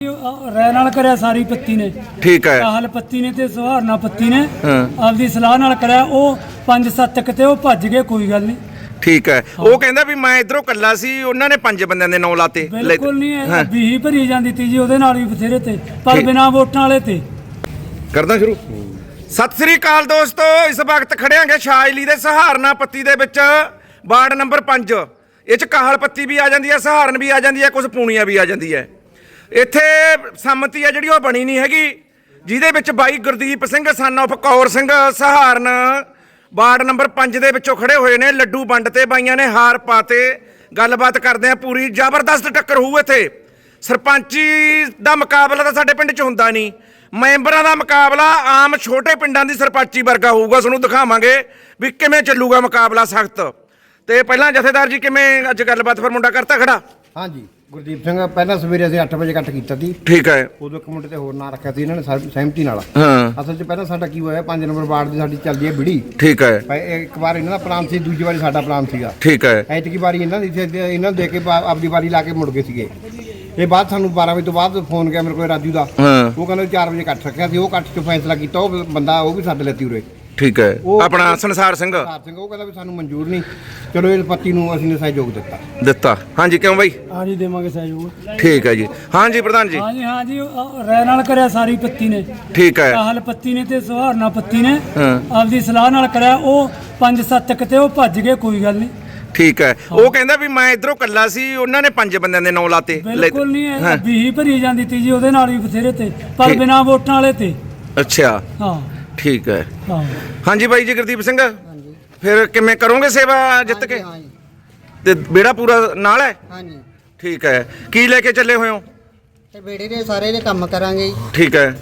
राय नाल करिया सारी पत्ती ने ठीक है काहल पत्ती ने ते सुहारना पत्ती ने आपदी सलाह नाल करिया ओ 5-7 तक ते ओ भज गए कोई गल नहीं ठीक है वो कहंदा भी मैं इधरों कल्ला सी उन्हां ने 5 बंदियां दे नाम लाते बिल्कुल नहीं बीही भरी जांदी ती जी ओदे नाल भी बथेरे ते पर बिना वोटां वाले ते करदा शुरू सत श्री अकाल दोस्तों इस वक्त खड़ियांगे शाजली दे सहारना पत्ती दे विच वार्ड नंबर 5 ਇਹ ਚ ਕਾਹਲ ਪੱਤੀ ਵੀ ਆ ਜਾਂਦੀ ਹੈ ਸਹਾਰਨ ਵੀ ਆ ਜਾਂਦੀ ਹੈ ਕੁਝ ਪੂਣੀਆਂ ਵੀ ਆ ਜਾਂਦੀ ਹੈ ਇੱਥੇ ਸੰਮਤੀ ਹੈ ਜਿਹੜੀ ਉਹ ਬਣੀ ਨਹੀਂ ਹੈਗੀ ਜਿਹਦੇ ਵਿੱਚ ਬਾਈ Gurdeep Singh son of Kaur Singh Saharan ward number 5 ਦੇ ਵਿੱਚੋਂ ਖੜੇ ਹੋਏ ਨੇ ਲੱਡੂ ਵੰਡ ਤੇ ਬਾਈਆਂ ਨੇ ਹਾਰ ਪਾਤੇ ਗੱਲਬਾਤ ਕਰਦੇ ਆ ਪੂਰੀ ਜ਼ਬਰਦਸਤ ਟੱਕਰ ਹੋਊ ਇੱਥੇ ਸਰਪੰਚੀ ਦਾ ਮੁਕਾਬਲਾ ਤਾਂ ਸਾਡੇ ਪਿੰਡ 'ਚ ਹੁੰਦਾ ਨਹੀਂ ਮੈਂਬਰਾਂ ਦਾ ਮੁਕਾਬਲਾ ਆਮ ਛੋਟੇ ਪਿੰਡਾਂ ਦੀ ਸਰਪੰਚੀ ਵਰਗਾ ਹੋਊਗਾ ਤੁਹਾਨੂੰ ਦਿਖਾਵਾਂਗੇ ਵੀ ਕਿਵੇਂ ਚੱਲੂਗਾ ਮੁਕਾਬਲਾ ਸਖਤ ਤੇ ਪਹਿਲਾਂ ਜਥੇਦਾਰ ਜੀ ਕਿਵੇਂ ਅੱਜ ਗੱਲਬਾਤ ਫਿਰ ਮੁੰਡਾ ਕਰਤਾ ਖੜਾ ਹਾਂਜੀ ਗੁਰਦੀਪ ਸਿੰਘ ਪਹਿਲਾਂ ਸਵੇਰੇ ਅਸੀਂ 8 ਵਜੇ ਇਕੱਠ ਕੀਤਾ ਸੀ ਠੀਕ ਹੈ ਉਦੋਂ ਇੱਕ ਮੁੰਡੇ ਤੇ ਹੋਰ ਨਾਂ ਰੱਖਿਆ ਸੀ ਇਹਨਾਂ ਨੇ ਸਹਿਮਤੀ ਨਾਲ ਹਾਂ ਅਸਲ 'ਚ ਪਹਿਲਾਂ ਸਾਡਾ ਕੀ ਹੋਇਆ 5 ਨੰਬਰ ਵਾਰਡ ਦੀ ਸਾਡੀ ਚੱਲਦੀ ਹੈ ਬਿੜੀ ਠੀਕ ਹੈ ਇੱਕ ਵਾਰ ਇਹਨਾਂ ਦਾ ਪਲਾਨ ਸੀ ਦੂਜੀ ਵਾਰੀ ਸਾਡਾ ਪਲਾਨ ਸੀਗਾ ਠੀਕ ਹੈ ਐਤਕੀ ਵਾਰੀ ਇਹਨਾਂ ਦੀ ਇਹਨਾਂ ਨੂੰ ਦੇ ਕੇ ਆਪਦੀ ਵਾਰੀ ਲਾ ਕੇ ਮੁੜ ਗਏ ਸੀਗੇ ਇਹ ਬਾਅਦ ਸਾਨੂੰ 12 ਵਜੇ ਤੋਂ ਬਾਅਦ ਫੋਨ ਗਿਆ ਮੇਰੇ ਕੋਲ ਰਾਜੂ ਦਾ ਉਹ ਕਹਿੰਦਾ 4 ਵਜੇ ਇਕੱਠ ਰੱਖਿਆ ਸੀ ਉਹ ਇਕੱਠ 'ਚ ਫੈਸਲਾ ਕੀਤਾ ਉਹ ਬੰਦਾ ਉਹ ਵੀ ਸੱਦ ਲੈਤੀ ਉਰੇ ਠੀਕ ਹੈ ਆਪਣਾ ਸੰਸਾਰ ਸਿੰਘ ਉਹ ਕਹਿੰਦਾ ਵੀ ਸਾਨੂੰ ਮਨਜ਼ੂਰ ਨਹੀਂ ਚਲੋ ਇਹ ਪੱਤੀ ਨੂੰ ਅਸੀਂ ਨੇ ਸਹਿਯੋਗ ਦਿੱਤਾ ਹਾਂਜੀ ਕਿਉਂ ਬਾਈ हाँ जी देवांगे सहयोग ठीक है जी हाँ जी प्रधान जी हाँ जी राय नाल करिया सारी पत्ती ने ठीक है काहल पत्ती ने ते सुहारना पत्ती ने आपदी सलाह नाल करिया ओ 5-7 तक ते ओ भज गए कोई गल नहीं ठीक है वो कहंदा भी मैं इधरों कल्ला सी उन्हां ने 5 बंदियां दे नाम लाते बिल्कुल नहीं बीही भरी जांदी ती जी ओदे नाल भी बथेरे ते पर बिना वोटां वाले ते अच्छा हाँ ठीक है हाँ जी भाई जी गुरदीप सिंह फिर किवें करोगे सेवा जित के ते बेड़ा पूरा नाल है हाँ जी ठीक है की लेके चले हुए हो ते बेड़े दे सारे दे काम करांगे ठीक है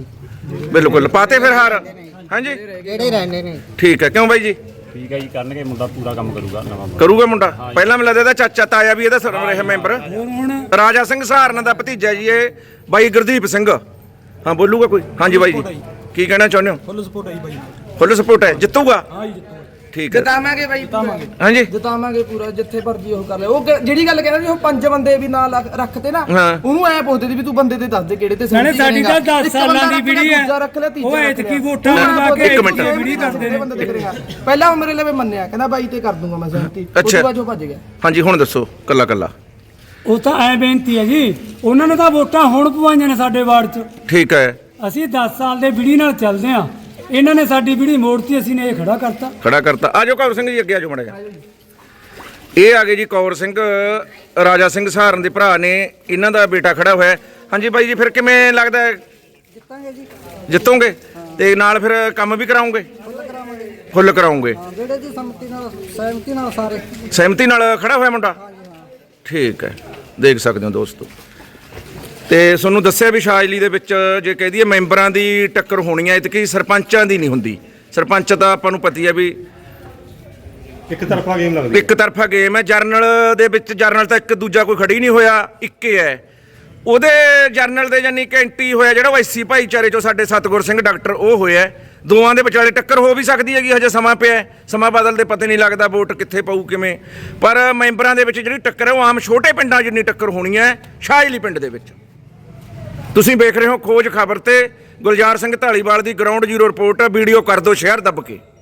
बिल्कुल पाते फिर हार हाँ जी ਜਿਹੜੇ ਰਹਿੰਦੇ ਨੇ ठीक है क्यों भाई जी ਠੀਕ ਹੈ ਜੀ ਕਰਨਗੇ ਮੁੰਡਾ ਪੂਰਾ ਕੰਮ ਕਰੂਗਾ ਨਵਾਂ ਕਰੂਗਾ ਮੁੰਡਾ ਪਹਿਲਾਂ ਮੈਨੂੰ ਲੱਗਦਾ ਚਾਚਾ ਤਾਇਆ ਵੀ ਇਹਦਾ ਸਰਵ ਰਿਹਾ ਮੈਂਬਰ ਰਾਜਾ ਸਿੰਘ ਸਹਾਰਨ ਦਾ ਭਤੀਜਾ ਜੀ ਇਹ ਬਾਈ ਗੁਰਦੀਪ ਸਿੰਘ ਹਾਂ ਬੋਲੂਗਾ ਕੋਈ ਹਾਂਜੀ ਬਾਈ ਜੀ ਕੀ ਕਹਿਣਾ ਚਾਹੁੰਦੇ ਹੋ फुल सपोर्ट है भाई ਫੁੱਲ ਸਪੋਰਟ ਹੈ ਜਿੱਤੂਗਾ हाँ जी ਠੀਕ ਹੈ ਜਿਤਾਵਾਂਗੇ ਬਾਈ ਹਾਂਜੀ ਜਿਤਾਵਾਂਗੇ ਪੂਰਾ ਜਿੱਥੇ ਭਰਜੀ ਉਹ ਕਰ ਲੈ ਉਹ ਜਿਹੜੀ ਗੱਲ ਕਹਿੰਦਾ ਵੀ ਉਹ 5 ਬੰਦੇ ਵੀ ਨਾਲ ਰੱਖਤੇ ਨਾ ਹਾਂ। ਉਹਨੂੰ ਐ ਪੁੱਛਦੇ ਸੀ ਵੀ ਤੂੰ ਬੰਦੇ ਤੇ ਦੱਸ ਦੇ ਕਿਹੜੇ ਤੇ ਨਾਲੇ ਸਾਡੀ ਤਾਂ 10 ਸਾਲਾਂ ਦੀ ਵੀੜੀ ਹੈ ਦੂਜਾ ਰੱਖ ਲੈ ਤੀਜਾ ਉਹ ਐਤਕੀ ਵੋਟਾਂ ਮੰਗਾ ਕੇ ਇੱਕ ਮਿੰਟ। ਵੀੜੀ ਕਰਦੇ ਨੇ ਬੰਦੇ ਤੇ ਕਰੇਗਾ ਪਹਿਲਾਂ ਉਹ ਮੇਰੇ ਲਈ ਮੰਨਿਆ ਕਹਿੰਦਾ ਬਾਈ ਤੇ ਕਰ ਦੂੰਗਾ ਮੈਂ ਸਹਿਮਤੀ ਉਸ ਅੱਛਾ। ਤੋਂ ਬਾਅਦ ਉਹ ਭੱਜ ਗਿਆ ਹਾਂਜੀ ਹੁਣ ਦੱਸੋ ਕੱਲਾ ਕੱਲਾ ਉਹ ਤਾਂ ਐ ਬੇਨਤੀ ਹੈ ਜੀ ਉਹਨਾਂ ਨੇ ਤਾਂ ਵੋਟਾਂ ਹੁਣ ਪਵਾਈਆਂ ਨੇ ਸਾਡੇ ਵਾਰਡ 'ਚ ਠੀਕ ਹੈ ਅਸੀਂ 10 ਸਾਲ ਦੇ ਵੀੜੀ ਨਾਲ ਚੱਲਦੇ ਆ ਇਹਨਾਂ ਨੇ ਸਾਡੀ ਵੀੜੀ ਮੋੜਤੀ ਅਸੀਂ ਨੇ ਇਹ ਖੜਾ ਕਰਤਾ ਆ ਜਾਓ ਕੌਰ ਸਿੰਘ ਜੀ ਅੱਗੇ ਆ ਜਾਓ ਮੜਾ ਜਾ ਇਹ ਆ ਗਏ ਜੀ ਕੌਰ ਸਿੰਘ ਰਾਜਾ ਸਿੰਘ ਸਹਾਰਨ ਦੇ ਭਰਾ ਨੇ ਇਹਨਾਂ ਦਾ ਬੇਟਾ ਖੜਾ ਹੋਇਆ ਹੈ। ਹਾਂਜੀ ਬਾਈ ਜੀ ਫਿਰ ਕਿਵੇਂ ਲੱਗਦਾ ਹੈ ਜਿੱਤਾਂਗੇ ਜੀ ਜਿੱਤੋਗੇ ਤੇ ਨਾਲ ਫਿਰ ਕੰਮ ਵੀ ਕਰਾਉਂਗੇ ਫੁੱਲ ਕਰਾਉਂਗੇ ਜਿਹੜੇ ਦੀ ਸਹਿਮਤੀ ਨਾਲ ਸਾਰੇ ਸਹਿਮਤੀ ਨਾਲ ਖੜਾ ਹੋਇਆ ਮੁੰਡਾ ਠੀਕ ਹੈ ਦੇਖ ਸਕਦੇ ਹੋ ਦੋਸਤੋ ਤੇ ਤੁਹਾਨੂੰ ਦੱਸਿਆ ਵੀ ਸ਼ਾਜਲੀ ਦੇ ਵਿੱਚ ਜੇ ਕਹਿ ਦਈਏ ਮੈਂਬਰਾਂ ਦੀ ਟੱਕਰ ਹੋਣੀ ਹੈ ਇਤਕੀ ਸਰਪੰਚਾਂ ਦੀ ਨਹੀਂ ਹੁੰਦੀ ਸਰਪੰਚ ਤਾਂ ਆਪਾਂ ਨੂੰ ਪਤੀ ਹੈ ਵੀ ਇੱਕ ਤਰਫਾ ਗੇਮ ਲੱਗਦੀ ਇੱਕ ਤਰਫਾ ਗੇਮ ਹੈ ਜਰਨਲ ਦੇ ਵਿੱਚ ਜਰਨਲ ਤਾਂ ਇੱਕ ਦੂਜਾ ਕੋਈ ਖੜੀ ਨਹੀਂ ਹੋਇਆ ਇੱਕੇ ਹੈ ਉਹਦੇ ਜਰਨਲ ਦੇ ਜਾਨੀ ਕੈਂਟੀ ਹੋਇਆ ਜਿਹੜਾ ਉਹ ਐਸੀ ਭਾਈਚਾਰੇ ਚੋਂ ਸਾਡੇ ਸਤਗੁਰ ਸਿੰਘ ਡਾਕਟਰ ਉਹ ਹੋਇਆ ਦੋਵਾਂ ਦੇ ਵਿਚਾਲੇ ਟੱਕਰ ਹੋ ਵੀ ਸਕਦੀ ਹੈਗੀ ਹਜੇ ਸਮਾਂ ਪਿਆ ਸਮਾਂ ਬਦਲਦੇ ਪਤਾ ਨਹੀਂ ਲੱਗਦਾ ਵੋਟ ਕਿੱਥੇ ਪਊ ਕਿਵੇਂ ਪਰ ਮੈਂਬਰਾਂ ਦੇ ਵਿੱਚ ਜਿਹੜੀ ਟੱਕਰ ਹੈ ਉਹ ਆਮ ਛੋਟੇ ਪਿੰਡਾਂ ਜਿੰਨੀ ਟੱਕਰ ਹੋਣੀ ਹੈ ਸ਼ਾਜਲੀ ਪਿੰਡ ਦੇ ਵਿੱਚ ਤੁਸੀਂ ਵੇਖ ਰਹੇ ਹੋ ਖੋਜ ਖਬਰ ਤੇ ਗੁਲਜ਼ਾਰ ਸਿੰਘ ਢਾਲੀਵਾਲ ਦੀ ਗਰਾਊਂਡ ਜ਼ੀਰੋ ਰਿਪੋਰਟ ਵੀਡੀਓ ਕਰ ਦਿਓ ਸ਼ੇਅਰ ਦੱਬ ਕੇ।